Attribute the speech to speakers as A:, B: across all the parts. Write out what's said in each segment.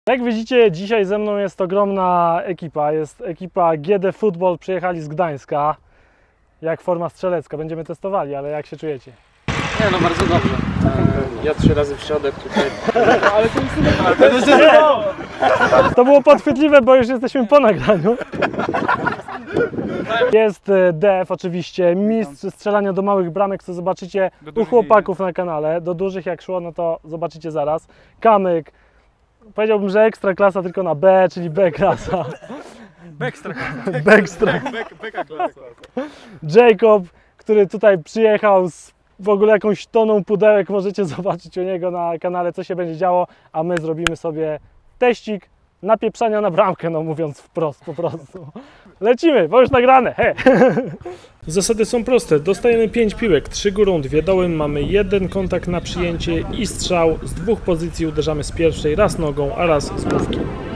A: Jak widzicie, dzisiaj ze mną jest ogromna ekipa. Jest ekipa GD Football, przyjechali z Gdańska. Jak forma strzelecka, będziemy testowali, ale jak się czujecie?
B: Nie, no bardzo dobrze. Ja 3 razy w środek tutaj. Ale to jest
A: To było podchwytliwe, bo już jesteśmy po nagraniu. Jest DF oczywiście, mistrz strzelania do małych bramek, co zobaczycie u chłopaków na kanale. Do dużych jak szło, no to zobaczycie zaraz. Kamyk, powiedziałbym, że ekstra klasa tylko na B, czyli B klasa. Jacob, który tutaj przyjechał z w ogóle jakąś toną pudełek, możecie zobaczyć u niego na kanale, co się będzie działo, a my zrobimy sobie teścik napieprzania na bramkę, no mówiąc wprost po prostu. Lecimy, bo już nagrane, he! Zasady są proste, dostajemy 5 piłek, 3 górą, 2 dołem, mamy 1 kontakt na przyjęcie i strzał. Z 2 pozycji uderzamy z pierwszej, raz nogą, a raz z główki.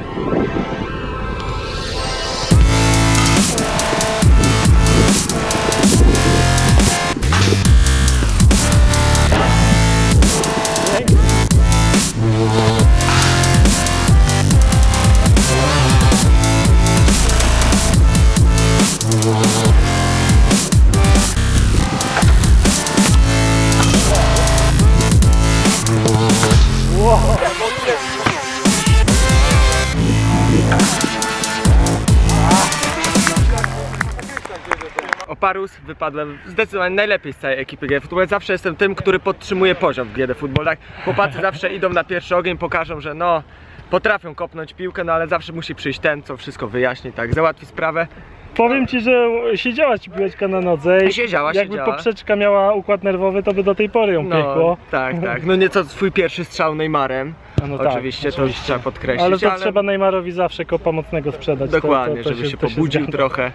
B: Oparus, wypadłem zdecydowanie najlepiej z całej ekipy GD Football. Zawsze jestem tym, który podtrzymuje poziom w GD Football. Tak? Chłopacy zawsze idą na pierwszy ogień, pokażą, że no potrafią kopnąć piłkę, no ale zawsze musi przyjść ten, co wszystko wyjaśni, tak, załatwi sprawę.
A: Powiem Ci, że siedziała Ci piłeczka na nodze i
B: Siedziała.
A: jakby poprzeczka miała układ nerwowy, to by do tej pory ją piekło.
B: Tak. No nieco swój pierwszy strzał Neymarem.
A: No
B: oczywiście, to już trzeba podkreślić.
A: Ale to trzeba Neymarowi zawsze kopa mocnego sprzedać.
B: Dokładnie,
A: to
B: żeby się pobudził trochę.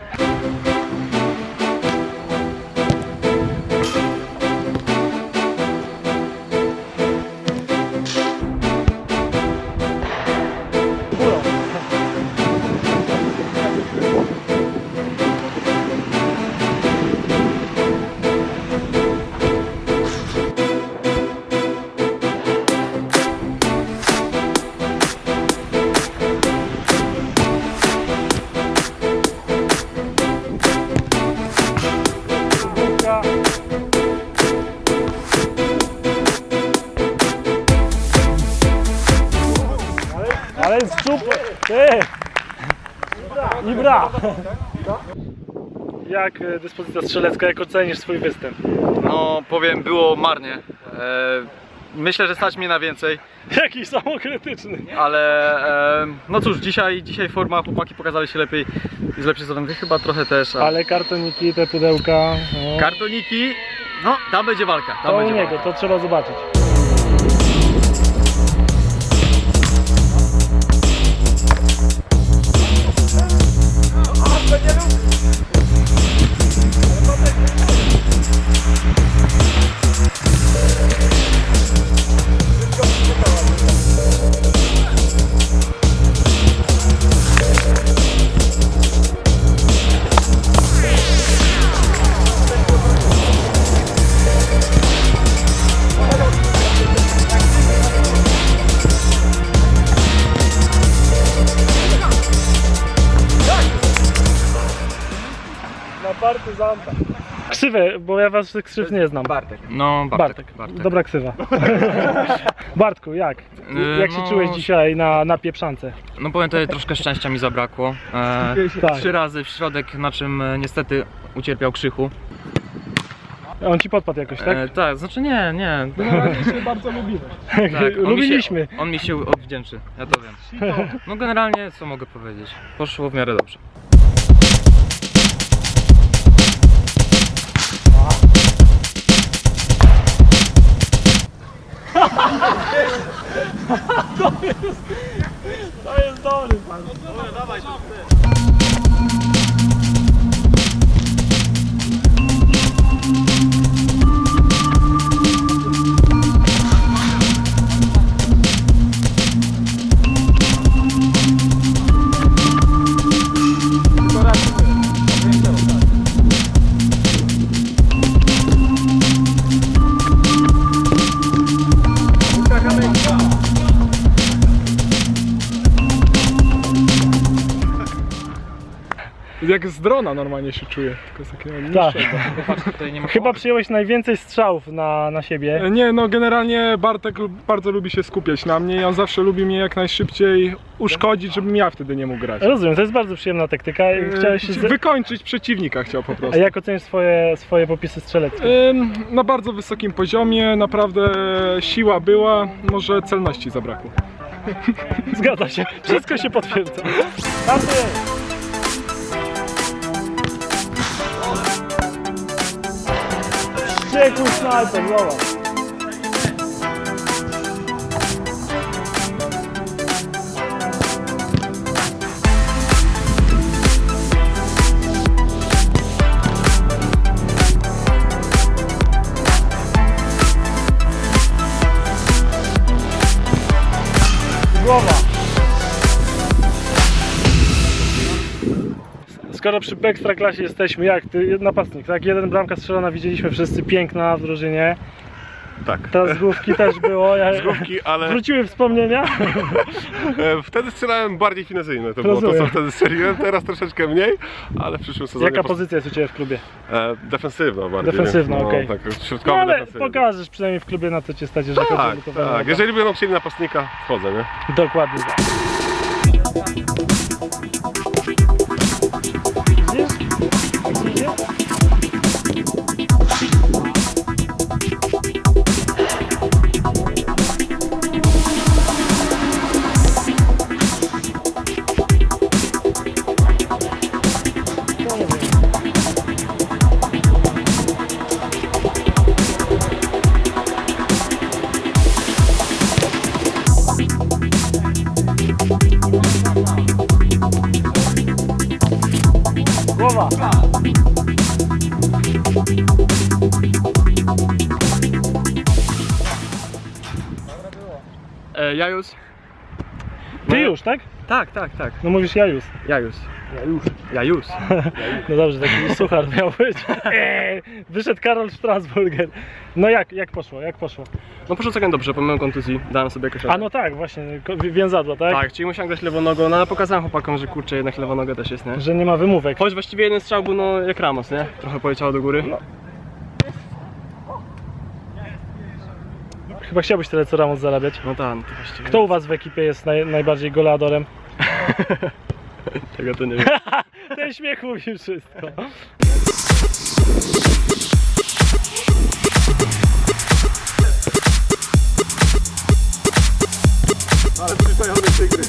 A: Ale jest super! Ty! Ibra! Jak dyspozycja strzelecka, jak ocenisz swój występ?
C: No powiem, było marnie. Myślę, że stać mnie na więcej,
A: Jakiś samokrytyczny.
C: ale no cóż, dzisiaj forma, chłopaki pokazali się lepiej z lepszej strony, wy chyba trochę też.
A: Ale kartoniki, te pudełka... No.
C: Kartoniki, no tam będzie walka. Tam
A: To u
C: będzie
A: niego,
C: walka.
A: to trzeba zobaczyć. Partyzanta. Ksywy, bo ja was krzyw nie znam.
B: Bartek.
C: No Bartek.
A: Dobra ksywa. Bartku, jak? Jak się
C: no,
A: czułeś dzisiaj na pieprzance?
C: No powiem, tutaj troszkę szczęścia mi zabrakło.
A: Tak.
C: 3 razy w środek, na czym niestety ucierpiał Krzychu.
A: On ci podpadł jakoś, tak?
C: Tak, znaczy nie.
A: się bardzo lubimy.
C: Tak,
A: Lubiliśmy.
C: On mi się odwdzięczy, ja to wiem. No generalnie, co mogę powiedzieć? Poszło w miarę dobrze.
A: To jest dobry pan. Dawaj,
D: Jak z drona normalnie się czuję, tylko z takiego
A: Tak.
D: niższego.
A: Chyba przyjąłeś najwięcej strzałów na siebie.
D: Nie, no generalnie Bartek bardzo lubi się skupiać na mnie i on zawsze lubi mnie jak najszybciej uszkodzić, żebym ja wtedy nie mógł grać.
A: Rozumiem, to jest bardzo przyjemna taktyka. Chciałeś się
D: Wykończyć przeciwnika chciał po
A: A
D: prostu.
A: jak ocenisz swoje popisy strzeleckie?
D: Na bardzo wysokim poziomie, naprawdę siła była, może celności zabrakło.
A: Zgadza się, wszystko się potwierdza. Tamty! Wściekły snajper, zobacz. Głowa. Skoro przy Ekstraklasie jesteśmy, jak ty, napastnik, tak? Jeden bramka strzelona, widzieliśmy wszyscy, piękna w drużynie.
E: Tak,
A: Teraz z główki też było.
E: z główki, ale
A: Wróciły wspomnienia.
E: wtedy strzelałem bardziej finezyjne, to było to,
A: Rozumiem.
E: co wtedy strzeliłem, teraz troszeczkę mniej, ale w przyszłym sezonie
A: Jaka pozycja jest u Ciebie w klubie?
E: defensywna bardziej.
A: Defensywna,
E: nie?
A: okej.
E: Tak,
A: No
E: środkowy,
A: ale
E: defensywny.
A: pokażesz przynajmniej w klubie, na co Cię stać, jeżeli chodzi o
E: Tak,
A: lutowanie.
E: tak, jeżeli będą chcieli napastnika, wchodzę, nie?
A: Dokładnie tak. Widzisz? Widzicie? To nie wiem. Głowa!
B: Jajus?
A: Ty już, tak?
B: Tak, tak, tak.
A: No mówisz Jajus.
B: Jajus. Jajus.
A: No dobrze, taki suchar miał być. Wyszedł Karol Strasburger. No jak poszło, jak poszło?
B: No poszło całkiem dobrze, pomimo kontuzji dałem sobie jakoś
A: A no tak, właśnie, więzadła, tak?
B: Tak, czyli musiałem grać lewą nogą, no ale pokazałem chłopakom, że kurczę, jednak lewa noga też jest, nie?
A: Że nie ma wymówek.
B: Choć właściwie jeden strzał był no jak Ramos, nie? Trochę poleciało do góry.
A: Chyba chciałbyś tyle co Ramos zarabiać.
B: No tak, no to właściwie.
A: Kto u was w ekipie jest najbardziej goleadorem?
B: Tego to nie wiem.
A: Ten śmiech mówi wszystko.
E: Ale przystojone tygry.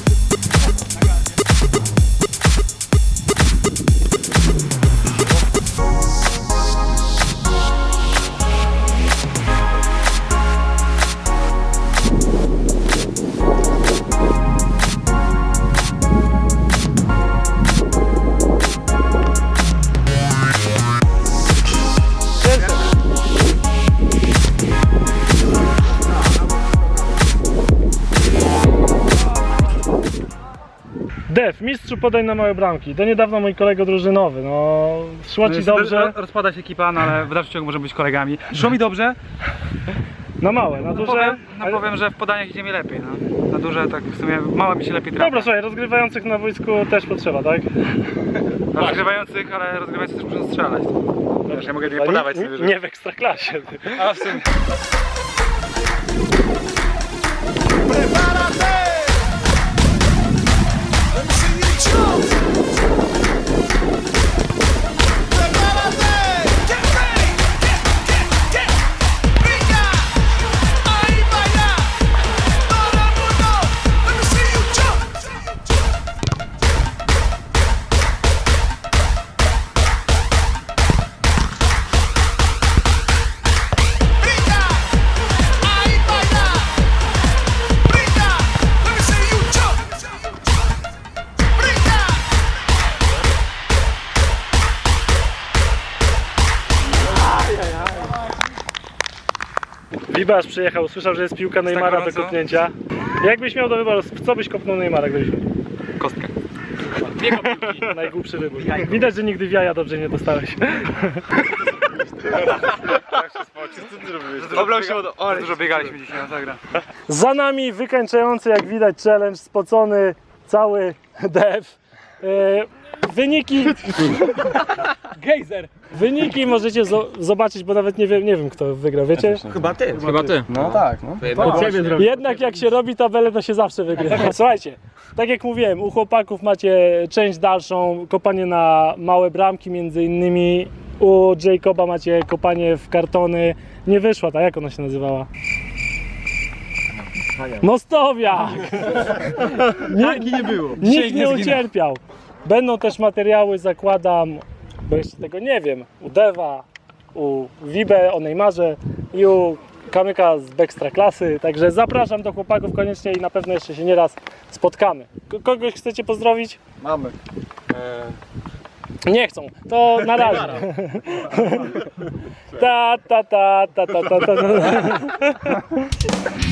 A: Def, mistrzu podań na małe bramki. Do niedawna mój kolega drużynowy, no szło ci dobrze.
C: Rozpadać ekipa, no ale w dalszym ciągu możemy być kolegami. Szło mi dobrze,
A: Na małe, na duże.
C: powiem, że w podaniach idzie mi lepiej. No. Na duże tak w sumie małe mi się lepiej trafia.
A: Dobra, słuchaj, rozgrywających na wojsku też potrzeba, tak?
C: Rozgrywających, ale rozgrywający też muszą strzelać. Wiesz, ja mogę nie
A: Ale
C: podawać
A: nie,
C: sobie, że...
A: nie w ekstraklasie.
C: A w sumie...
A: Libasz przyjechał, słyszał, że jest piłka Neymara do
C: gorąco?
A: kopnięcia. Jakbyś miał do wyboru, w co byś kopnął Neymara, gdybyś miał?
C: Kostkę.
A: Najgłupszy wybór. Widać, że nigdy w jaja dobrze nie dostałeś.
B: Oblał się wodą. O,
C: Dużo biegaliśmy dzisiaj na zagra.
A: Za nami wykańczający, jak widać, challenge, spocony cały dev. Wyniki...
C: Gejzer!
A: Wyniki możecie zobaczyć, bo nawet nie wiem kto wygrał, wiecie?
B: Chyba ty.
C: Chyba ty.
B: No tak, no.
A: Jednak jak się robi tabelę, to się zawsze wygrywa. Słuchajcie, tak jak mówiłem, u chłopaków macie część dalszą, kopanie na małe bramki między innymi. U Jacoba macie kopanie w kartony. Nie wyszła ta, jak ona się nazywała? Mostowiak!
C: nie było.
A: Nikt nie ucierpiał. Będą też materiały, zakładam, bo jeszcze tego nie wiem, u Dewa, u Wibe, o Neymarze i u Kamyka z Ekstraklasy. Także zapraszam do chłopaków koniecznie i na pewno jeszcze się nieraz spotkamy. Kogoś chcecie pozdrowić?
C: Mamy.
A: Nie chcą, to na razie. Ta ta ta ta ta ta ta.